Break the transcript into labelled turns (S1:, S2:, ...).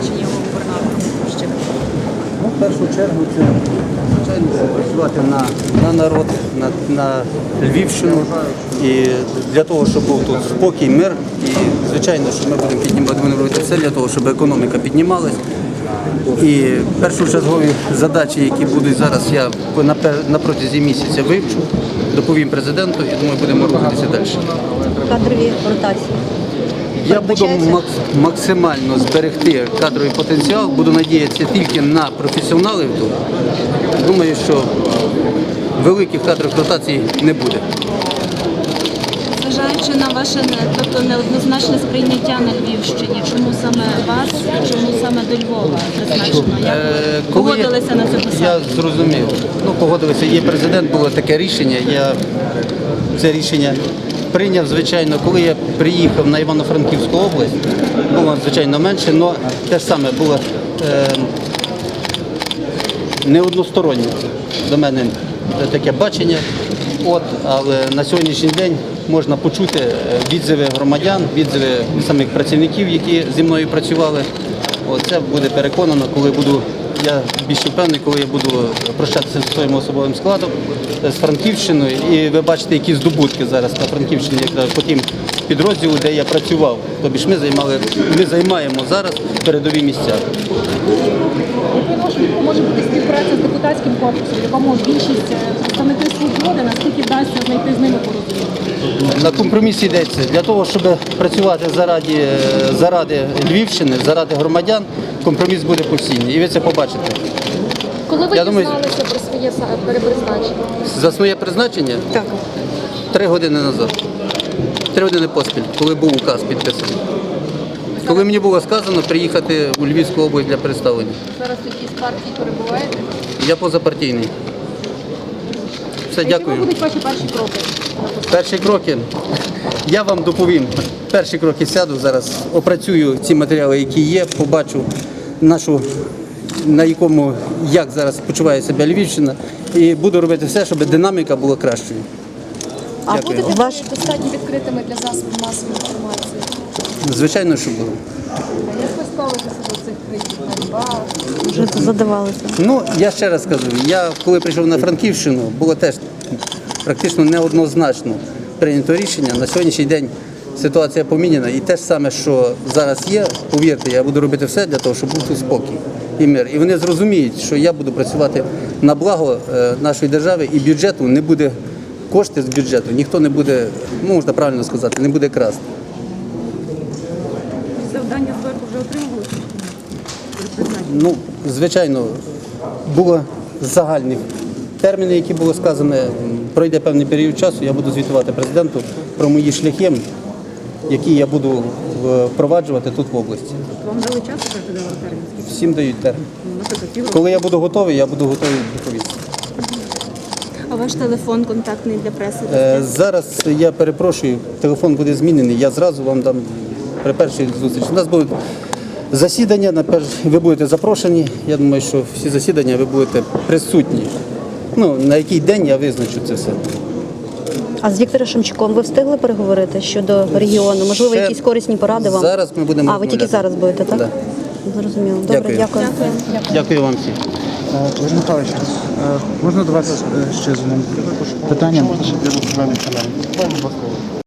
S1: призначення його губернатором Львівщини?
S2: Ну, в першу чергу це, звичайно, працювати на народ, на Львівщину. І для того, щоб був тут спокій, мир. І, звичайно, що ми будемо робити все для того, щоб економіка піднімалась. І першочергові задачі, які будуть зараз, я на протязі місяця вивчу, доповім президенту і думаю, будемо рухатися далі.
S3: Кадрові ротації.
S2: Я буду максимально зберегти кадровий потенціал, буду надіятися тільки на професіоналів тут. Думаю, що великих кадрових ротацій не буде.
S1: Зважаючи на ваше неоднозначне сприйняття на Львівщині, чому саме вас і чому саме до Львова призначено? Як ви погодилися на цю посаду?
S2: Я зрозумів. Погодилися. Є президент, було таке рішення. Я це рішення прийняв, звичайно, коли я приїхав на Івано-Франківську область, було, звичайно, менше, але те ж саме було не одностороннє до мене таке бачення. Але на сьогоднішній день можна почути відзиви громадян, відзиви самих працівників, які зі мною працювали. Це буде переконано, коли буду, я більше впевнений, коли я буду прощатися зі своїм особовим складом, з Франківщиною. І ви бачите, які здобутки зараз на Франківщині, якраз по тим підрозділу, де я працював. Тобто ми займаємо зараз передові місця.
S4: Може бути співпраця з депутатським корпусом, в якому більшість представників свободи, наскільки вдасться знайти з ними порозуміння?
S2: На компромісі йдеться. Для того, щоб працювати заради Львівщини, заради громадян, компроміс буде постійний. І ви це побачите.
S4: Коли ви дізналися про своє перепризначення?
S2: За своє призначення?
S3: Так.
S2: 3 години назад. 3 години поспіль, коли був указ підписаний. Коли мені було сказано приїхати у Львівську область для представлення.
S4: Зараз в якійсь партії перебуваєте?
S2: Я позапартійний. Все, дякую.
S4: Які будуть ваші перші кроки?
S2: Перші кроки, я вам доповім. Перші кроки сяду зараз, опрацюю ці матеріали, які є, побачу як зараз почуває себе Львівщина, і буду робити все, щоб динаміка була кращою.
S4: А
S2: Дякую.
S4: будете достатньо відкритими для засобів масової інформації?
S2: Звичайно, що буду.
S4: Як ви ставитеся до цих криків ганьба?
S3: Вже задавалися.
S2: Я ще раз кажу, я коли прийшов на Франківщину, було теж практично неоднозначно прийнято рішення. На сьогоднішній день ситуація поміняна. І те ж саме, що зараз є, повірте, я буду робити все для того, щоб був тут спокій і мир. І вони зрозуміють, що я буду працювати на благо нашої держави, і бюджету не буде, кошти з бюджету ніхто не буде, можна правильно сказати, не буде красти.
S4: Завдання зверху вже отримували?
S2: Звичайно, було загальні терміни, які були сказані. Пройде певний період часу, я буду звітувати президенту про мої шляхи, які я буду впроваджувати тут в області.
S4: Вам дали час, що ви дали термін?
S2: Всім дають термін. Коли я буду готовий відповісти.
S1: А ваш телефон контактний для преси?
S2: Зараз я перепрошую, телефон буде змінений, я зразу вам дам при першій зустрічі. У нас будуть засідання, ви будете запрошені. Я думаю, що всі засідання ви будете присутні. На який день я визначу це все.
S3: А з Віктором Шемчуком ви встигли переговорити щодо регіону? Можливо, якісь корисні поради вам?
S2: Зараз ми будемо
S3: ви тільки зараз будете, так?
S2: Да.
S3: Зрозуміло. Добре, дякую.
S2: Дякую вам всім.
S5: Олег Михайлович, можна до вас ще з одним питанням?